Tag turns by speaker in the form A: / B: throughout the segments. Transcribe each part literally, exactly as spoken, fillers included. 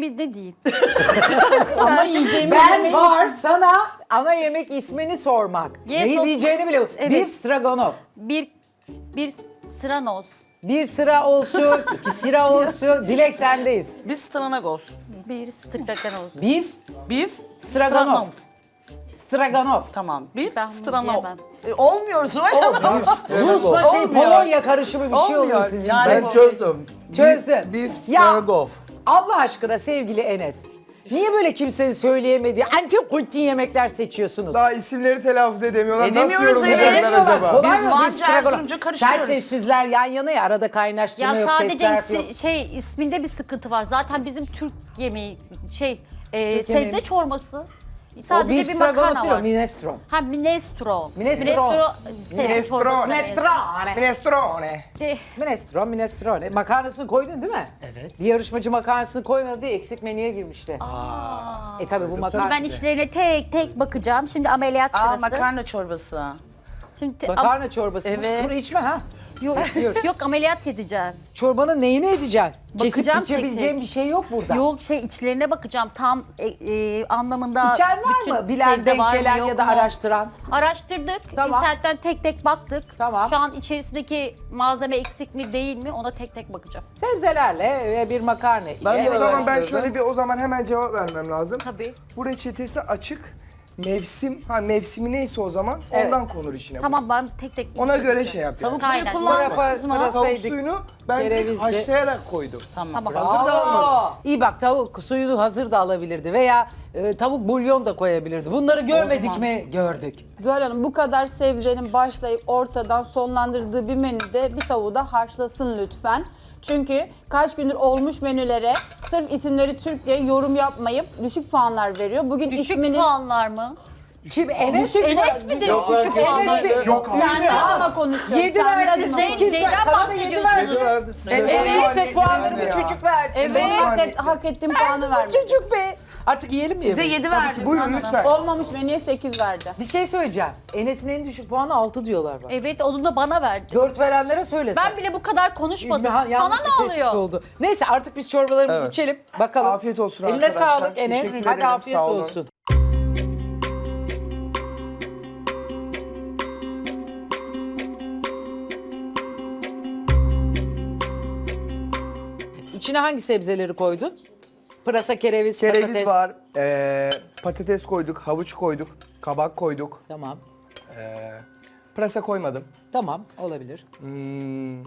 A: ismi ne diyeyim?
B: Ama yiyeceğimiz
C: Ben
B: yemeği-
C: var sana ana yemek ismini sormak.
A: Yes,
C: Neyi
A: of-
C: diyeceğini bile.
A: Evet.
C: Bir stroganoff.
A: Bir bir Stranos.
C: Bir sıra olsun, iki sıra olsun. Dilek sendeyiz.
D: Biz stranagos.
A: Bir Stranos.
C: Beef,
D: Beef,
C: stroganoff. Stroganoff.
D: Tamam. Beef,
A: Ben bunu
D: stroganoff.
A: diyemem.
D: E, olmuyor Zuhal Hanım.
C: Rusla şey
D: Olmuyor.
C: Polonya karışımı bir şey
D: Olmuyor.
C: oluyor sizin.
D: Yani
C: de.
E: Ben çözdüm.
C: Çözdün.
E: Beef, beef
C: Ya.
E: stroganoff.
C: Allah aşkına sevgili Enes. Niye böyle kimsenin söyleyemediği antik kultin yemekler seçiyorsunuz?
F: Daha isimleri telaffuz edemiyorlar.
D: Edemiyoruz,
F: Nasıl
D: evet.
F: yorumlayacaklar
C: Edemiyorlar.
F: acaba?
C: Kolay
D: Biz
C: mı?
D: Van
C: Beef stroganoff.
D: Jersey'nce karıştırıyoruz.
C: Sert sessizler yan yana ya arada kaynaştırma
A: Ya
C: yok,
A: sadece
C: sesler
A: isi-
C: yok.
A: şey isminde bir sıkıntı var. Zaten bizim Türk yemeği şey e,
C: Türk
A: sebze
C: yemeği.
A: çorbası.
C: O
A: Sadece
C: beef
A: bir
C: stroganoff
A: makarna
C: değil o,
A: var.
C: minestrone.
A: Ha minestrone.
C: Minestrone.
A: Minestrone.
F: Minestrone.
C: Minestrone.
F: Minestrone.
A: Şey,
C: Minestrone, minestrone. Makarnasını koydun değil mi? Evet. Bir yarışmacı makarnasını koymadı diye eksik menüye girmişti. E tabi bu makarna.
A: ben içlerine tek tek bakacağım. Şimdi ameliyat
D: Aa,
A: sırası.
D: makarna çorbası.
A: Şimdi te-
C: Makarna çorbası. mı?
D: Evet.
C: Dur içme ha.
A: Yok, yok ameliyat edeceğim.
C: Çorbanın neyini edeceksin? Kesip
A: Bakacağım tek
C: içebileceğin
A: tek.
C: bir şey yok burada.
A: Yok şey içlerine bakacağım tam e, e, anlamında.
C: İçen var
A: bütün
C: mı? Bilen,
A: sebze
C: denk
A: var mı,
C: gelen
A: yok
C: ya da
A: mu?
C: araştıran.
A: Araştırdık.
C: Tamam.
A: İnternetten tek tek baktık.
C: Tamam.
A: Şu an içerisindeki malzeme eksik mi değil mi ona tek tek bakacağım.
C: Sebzelerle ve bir makarna. ile.
E: Ben de
F: O zaman ben
E: araştırdım.
F: şöyle bir o zaman hemen cevap vermem lazım.
A: Tabii.
F: Bu reçetesi açık. Mevsim, ha mevsimi neyse o zaman
C: Evet.
F: ondan konur içine.
A: Tamam ben tek tek
F: Ona göre
A: bakacağım.
F: şey yapacağız.
D: Tavuk suyu
A: Aynen.
D: kullanmadınız
C: Pırafa-
D: mı?
C: pırasa-
F: Tavuk
C: Saydık.
F: suyunu ben
C: Kerevizli.
F: haşlayarak koydum.
A: Tamam.
F: Hazır da almadım.
C: İyi bak tavuk suyunu hazır da alabilirdi veya e, tavuk bulyon da koyabilirdi. Bunları görmedik
D: zaman-
C: mi? Gördük.
B: Zuhal Hanım bu kadar sebzenin başlayıp ortadan sonlandırdığı bir menüde bir tavuğu da haşlasın lütfen. Çünkü kaç gündür olmuş menülere sırf isimleri Türk diye yorum yapmayıp düşük puanlar veriyor. Bugün
A: Düşük
B: ismini...
A: puanlar mı?
C: Kim? Enes mi?
A: Enes mi de
F: Yok,
A: düşük
F: yok,
A: puanlar?
C: Enes mi?
F: Yok abi.
B: Kendi adıma konuşuyorum.
C: Yedi
B: kendi
C: verdi,
B: adıma
A: Zeyn-
C: sekiz
A: Zeynep
C: verdi. Sana da yedi
A: bahsediyorsunuz.
C: verdi.
E: Yedi verdi size.
C: En
F: Evet.
C: yüksek
F: Yani
C: puanları bu
F: ya.
C: çocuk verdi.
A: Evet.
B: Benim hak, et, hak ettiğim puanı
C: Bu
B: verdim.
C: çocuk be. Artık yiyelim mi?
D: Size
C: yemeği?
D: yedi verdim.
F: Buyurun lütfen.
B: Olmamış menüye sekiz verdi.
C: Bir şey söyleyeceğim. Enes'in en düşük puanı altı diyorlar bak.
A: Evet onu da bana verdi.
C: dört verenlere söylesen.
A: Ben bile bu kadar konuşmadım.
C: Ha, yanlış
A: Bana
C: bir
A: ne
C: tespit
A: oluyor?
C: oldu. Neyse artık biz çorbalarımızı
E: Evet.
C: içelim. Bakalım.
F: Afiyet olsun
C: Eline
F: arkadaşlar.
C: sağlık Enes.
F: Teşekkür
C: Hadi
F: ederim,
C: afiyet
F: sağ olun.
C: olsun. İçine hangi sebzeleri koydun? Pırasa, kereviz,
F: Kereviz
C: patates.
F: var, ee, patates koyduk, havuç koyduk, kabak koyduk.
C: Tamam.
F: Ee, pırasa koymadım.
C: Tamam olabilir.
F: Hmm,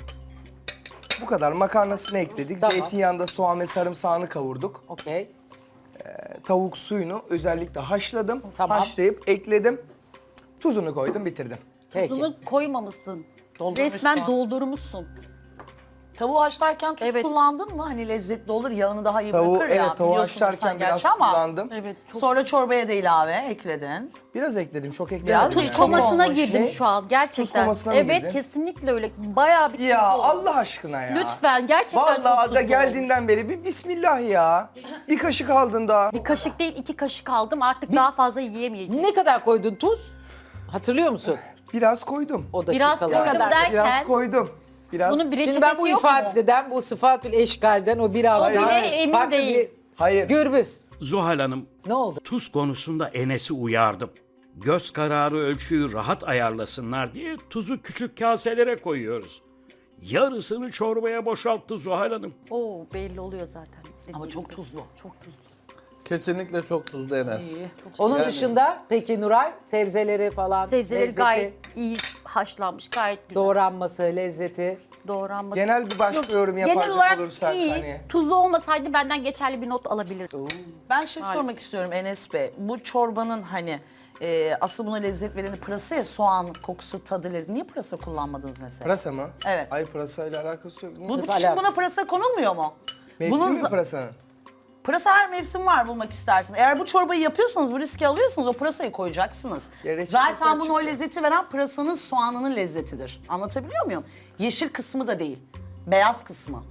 F: bu kadar. Makarnasını ekledik.
C: Tamam.
F: Zeytinyağında soğan ve sarımsağını kavurduk.
C: Okey.
F: Tavuk suyunu özellikle haşladım.
C: Tamam.
F: Haşlayıp ekledim. Tuzunu koydum, bitirdim.
C: Peki.
A: Bunu koymamışsın.
D: Doldurmuşsun.
A: Resmen doldurmuşsun.
D: Tavuğu haşlarken tuz
A: Evet.
D: kullandın mı? Hani lezzetli olur, yağını daha iyi
F: Tavuğu,
D: bırakır ya.
F: evet, tavuğu
D: biliyorsunuz
F: haşlarken
D: sen
F: biraz
D: gerçi ama
F: kullandım.
A: Evet. Çok
D: Sonra çorbaya da ilave ekledin.
F: Biraz ekledim, çok eklemedim.
D: Biraz
F: yani.
D: tuz
A: tuz
D: çok
A: komasına
D: olmuş.
A: girdim
F: Ne?
A: şu an gerçekten.
F: Tuz komasına mı
A: evet
F: girdin?
A: kesinlikle öyle. Bayağı bir
F: Ya
A: tuzlu oldu.
F: Allah aşkına ya.
A: Lütfen gerçekten çok
F: Vallahi
A: tuzlu
F: da
A: oldu.
F: geldiğinden beri bir bismillah ya. Bir kaşık aldın daha.
A: Bir kaşık değil iki kaşık aldım artık daha fazla yiyemeyeceğim.
C: Ne kadar koydun tuz? Hatırlıyor musun?
F: Biraz koydum.
C: O
A: Biraz
C: dakikalar.
A: koydum
B: kadar?
A: derken
F: Biraz koydum. Biraz.
A: bunun bir
C: Şimdi
A: reçetesi
C: ben bu
A: yok mu?
C: ifadeden, bu sıfatül eşgalden o biraz
A: O
C: daha
A: bile emin
C: farklı
A: değil.
C: bir
F: Hayır.
C: gürbüz.
G: Zuhal Hanım,
C: Ne oldu?
G: tuz konusunda Enes'i uyardım. Göz kararı ölçüyü rahat ayarlasınlar diye tuzu küçük kaselere koyuyoruz. Yarısını çorbaya boşalttı Zuhal Hanım.
A: Oo belli oluyor zaten.
D: Ama çok tuzlu.
A: Çok tuzlu.
E: Kesinlikle çok tuzlu Enes.
C: Onun
E: Yani-
C: dışında peki Nuray sebzeleri falan,
A: Sebzeleri
C: lezzeti,
A: gayet iyi haşlanmış, gayet güzel
C: doğranması, lezzeti.
A: doğranması.
F: Genel bir başka
A: Yok,
F: yorum
A: genel
F: yapacak
A: olarak
F: olursak
A: iyi.
F: hani.
A: Tuzlu olmasaydı benden geçerli bir not alabilirdim.
D: Ben şey sormak istiyorum Enes Bey. Bu çorbanın hani e, asıl buna lezzet vereni pırasa ya, soğan kokusu, tadı, lezzet. Niye pırasa kullanmadınız mesela?
F: Pırasa mı?
D: Evet.
F: Hayır, pırasayla alakası yok.
D: Bu, bu
C: Mesela-
D: kışın buna pırasa konulmuyor mu?
F: Mevsim
D: Bunun
F: mi
D: za-
F: pırasanın?
D: Pırasa her mevsim var bulmak istersiniz. Eğer bu çorbayı yapıyorsanız, bu riski alıyorsanız o pırasayı koyacaksınız.
F: Ya reçetesi
D: Zaten bunu o
F: açık.
D: lezzeti veren pırasanın, soğanının lezzetidir. Anlatabiliyor muyum? Yeşil kısmı da değil. Beyaz kısmı.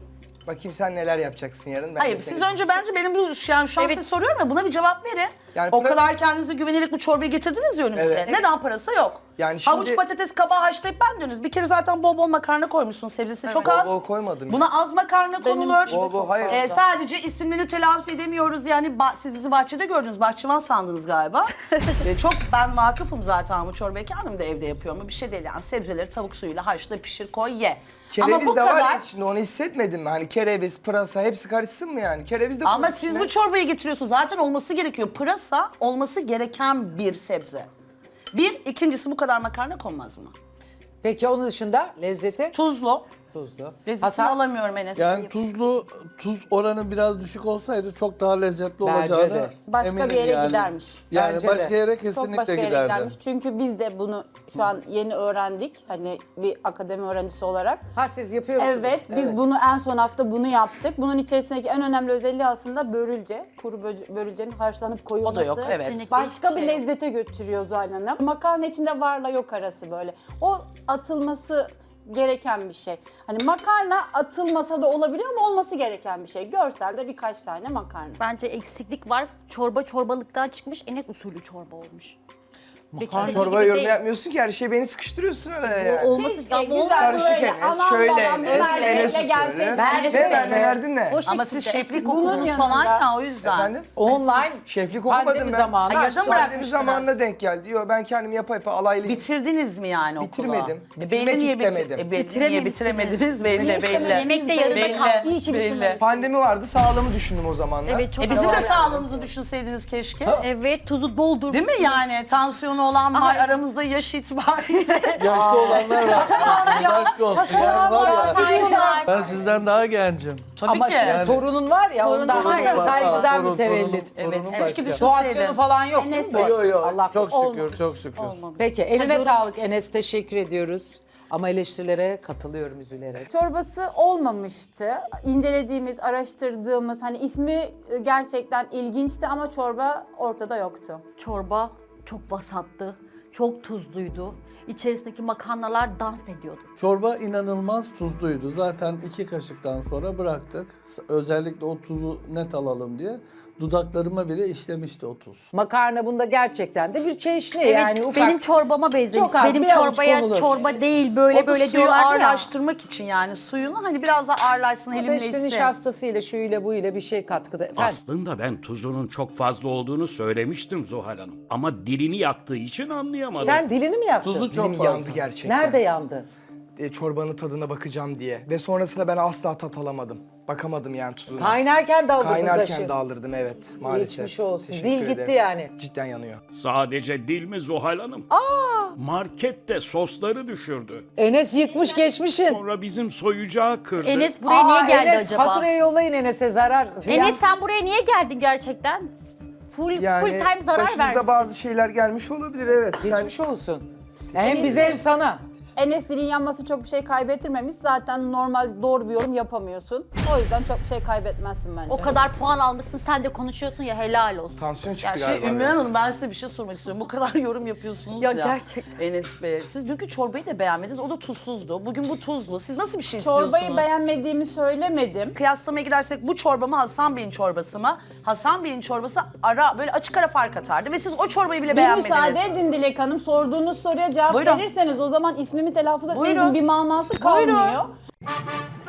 F: Bakayım sen neler yapacaksın yarın. Ben
D: Hayır
F: de
D: siz
F: seni-
D: önce bence benim bu yani şu an size soruyorum ya buna bir cevap verin.
F: Yani
D: o
F: pra-
D: kadar kendinize güvenerek bu çorbayı getirdiniz ya önümüze.
F: Evet.
D: Neden parası yok?
F: Yani şimdi-
D: Havuç, patates, kabağı haşlayıp ben diyorsunuz. Bir kere zaten bol bol makarna koymuşsunuz. Sebzesi çok
F: Bol
D: az.
F: bol koymadım.
D: Buna az makarna
B: Benim
D: konulur.
B: gibi
F: Bol bol,
B: çok
F: hayır.
B: fazla.
D: Ee, sadece isimlerini telaffuz edemiyoruz yani ba- siz bizi bahçede gördünüz, bahçıvan sandınız galiba. Ee, çok ben vakıfım zaten bu çorbayı kendim de evde yapıyorum. Bir şey değil yani sebzeleri tavuk suyuyla haşla pişir koy ye.
F: Kereviz
D: Ama bu
F: de var
D: kadar.
F: ya içinde, onu hissetmedin mi? Hani kereviz, pırasa hepsi karışsın mı yani? Kereviz de
D: Ama
F: koy
D: siz
F: içine.
D: bu çorbayı getiriyorsunuz zaten olması gerekiyor. Pırasa olması gereken bir sebze. Bir, ikincisi bu kadar makarna konmaz buna.
C: Peki onun dışında lezzeti?
D: Tuzlu.
C: Tuzlu.
D: Lezzetini
C: Hasan?
D: alamıyorum Enes.
E: Yani tuzlu, tuz oranı biraz düşük olsaydı çok daha lezzetli
C: Bence
E: olacağını
C: de.
B: Başka
E: eminim
B: bir yere
E: yani.
B: gidermiş.
E: Yani
C: Bence
E: başka
C: de.
E: yere
B: Çok
E: kesinlikle
B: başka yere
E: giderdi.
B: gidermiş. Çünkü biz de bunu şu an yeni öğrendik. Hani bir akademi öğrencisi olarak.
C: Ha siz yapıyor musunuz?
B: Evet, biz bunu en son hafta bunu yaptık. Bunun içerisindeki en önemli özelliği aslında börülce. Kuru bö- börülcenin haşlanıp koyulması.
D: O da yok, evet.
A: Kesinlikle
B: Başka
A: hiçbir
B: bir
A: şey yok.
B: lezzete götürüyor Zuhal Hanım. Makarna içinde varla yok arası böyle. O atılması gereken bir şey. Hani makarna atılmasa da olabiliyor ama olması gereken bir şey. Görselde birkaç tane makarna.
A: Bence eksiklik var. Çorba çorbalıktan çıkmış. Enes usulü çorba olmuş. Makarna
F: Çorba yorum yapmıyorsun ki her şeyi beni sıkıştırıyorsun oraya yani.
A: Olması
B: Keşke
A: ama
B: güzel
A: olmaz.
F: Karışık
B: böyle
F: Enes,
B: aman
F: şöyle
B: babam
F: Enes,
B: biberle
F: Enes usulü.
B: gelseydi.
C: Ben-
F: Ne ben ne verdin ne?
A: O
D: Ama
A: şekilde.
D: siz şeflik
B: Bunun
D: okudunuz
B: yanında-
D: falan ya o yüzden.
F: Efendim?
C: Online.
F: Şeflik okumadım
C: Pandemi
F: ben.
C: zamanı.
D: Ay, yarıda mı
F: Pandemi
D: bırakmıştınız?
F: zamanına denk geldi. Yo ben kendim yapa yapa alaylıyım.
D: Bitirdiniz mi yani okula?
F: Bitirmedim.
D: E, belli
F: Bitirmek
D: niye bitir-
F: istemedim.
D: E, belli niye
A: Bitirememişsiniz.
D: bitiremediniz belli
B: Niye
D: belli.
B: istemediniz?
A: Yemek de yarıda
D: Belli.
A: kaldı.
B: İyi ki
D: Belli.
B: bitirmediniz.
F: Pandemi vardı, sağlığımı düşündüm o zamanlar.
A: Evet çok
D: E bizim de
A: doğru.
D: sağlığımızı düşünseydiniz keşke.
A: Evet tuzu doldur.
D: Değil mi yani? Tansiyonu olan var, aramızda yaş itibariyle.
E: Yaşlı olanlar var. Aşk olsun. Yani var ya,
A: Saygılar.
E: ben sizden daha gencim.
D: Tabii
C: Ama
D: ki.
C: şimdi torunun var ya
A: Torunun
C: ondan
A: var ya.
C: saygıdan
E: Torun,
C: mütevellit.
E: torunum,
D: Evet,
E: torunum
D: keşke
E: başka.
D: düşünseydin.
C: Doğasyonu falan yok değil mi? bu?
E: Yok yok.
C: Allah
E: Çok
C: korusun.
E: şükür, çok şükür.
A: Olmamış.
C: Peki eline
A: Hadi
C: sağlık Enes, teşekkür ediyoruz. Ama eleştirilere katılıyorum üzülerek.
B: Çorbası olmamıştı. İncelediğimiz, araştırdığımız hani ismi gerçekten ilginçti ama çorba ortada yoktu.
A: Çorba çok vasattı. Çok tuzluydu. İçerisindeki makarnalar dans ediyordu.
E: Çorba inanılmaz tuzluydu. Zaten iki kaşıktan sonra bıraktık. Özellikle o tuzu net alalım diye. Dudaklarıma bile işlemişti o tuz.
C: Makarna bunda gerçekten de bir çeşni
A: Evet,
C: yani ufak.
A: benim çorbama benzemiş.
C: Çok az,
A: Benim
C: bir avuç
A: çorbaya
C: konulur.
A: çorba değil böyle
D: O da
A: böyle
D: suyu
A: diyorlar ya.
D: ağırlaştırmak için yani suyunu hani biraz daha ağırlaşsın,
C: Bu da işte
D: helimleşsin.
C: nişastasıyla, şuyla, buyla bir şey katkıda. Efendim?
G: Aslında ben tuzunun çok fazla olduğunu söylemiştim Zuhal Hanım. Ama dilini yaktığı için anlayamadım.
C: Sen dilini mi yaptın?
E: Tuzu çok
F: Dilim
E: fazla.
F: yandı gerçekten.
C: Nerede yandı?
F: E, çorbanın tadına bakacağım diye. Ve sonrasında ben asla tat alamadım. Bakamadım yani tuzuna.
C: Kaynarken dağıldı
F: Kaynarken
C: taşı.
F: dağılırdım evet maalesef.
C: Geçmiş olsun.
F: Teşekkür
C: Dil gitti
F: ederim.
C: yani.
F: Cidden yanıyor.
G: Sadece dil mi Zuhal Hanım? Aa! Markette sosları düşürdü.
C: Enes yıkmış geçmişin.
G: Sonra bizim soyucağı kırdı.
A: Enes buraya niye
C: Aa,
A: geldi
C: Enes,
A: acaba?
C: faturayı yollayın Enes'e zarar. ziyan.
A: Enes sen buraya niye geldin gerçekten? Full
F: Yani
A: full time zarar
F: başımıza
A: verdin.
F: bazı şeyler gelmiş olabilir evet. Sen
C: Geçmiş olsun. Hem bize hem sana.
B: Enes dilin yanması çok bir şey kaybettirmemiş. Zaten normal doğru bir yorum yapamıyorsun. O yüzden çok bir şey kaybetmezsin bence.
A: O kadar puan almışsın sen de konuşuyorsun ya helal olsun.
F: tansiyon çıktı
A: Yani
D: Şey
F: galiba
D: Ümmü
F: biraz.
D: Hanım ben size bir şey sormak istiyorum. Bu kadar yorum yapıyorsunuz ya.
A: Ya gerçekten.
D: Enes Bey. Siz dünkü çorbayı da beğenmediniz. O da tuzsuzdu. Bugün bu tuzlu. Siz nasıl bir şey istiyorsunuz?
B: Çorbayı beğenmediğimi söylemedim.
D: Kıyaslamaya gidersek bu çorba mı Hasan Bey'in çorbası mı? Hasan Bey'in çorbası ara böyle açık ara fark atardı ve siz o çorbayı bile
B: Bir
D: beğenmediniz.
B: müsaade edin Dilek Hanım. Sorduğunuz soruya cevap
D: Buyurun.
B: verirseniz o zaman ismimi telaffuz etmenizin
D: Buyurun.
B: bir manası
D: Buyurun.
B: kalmıyor.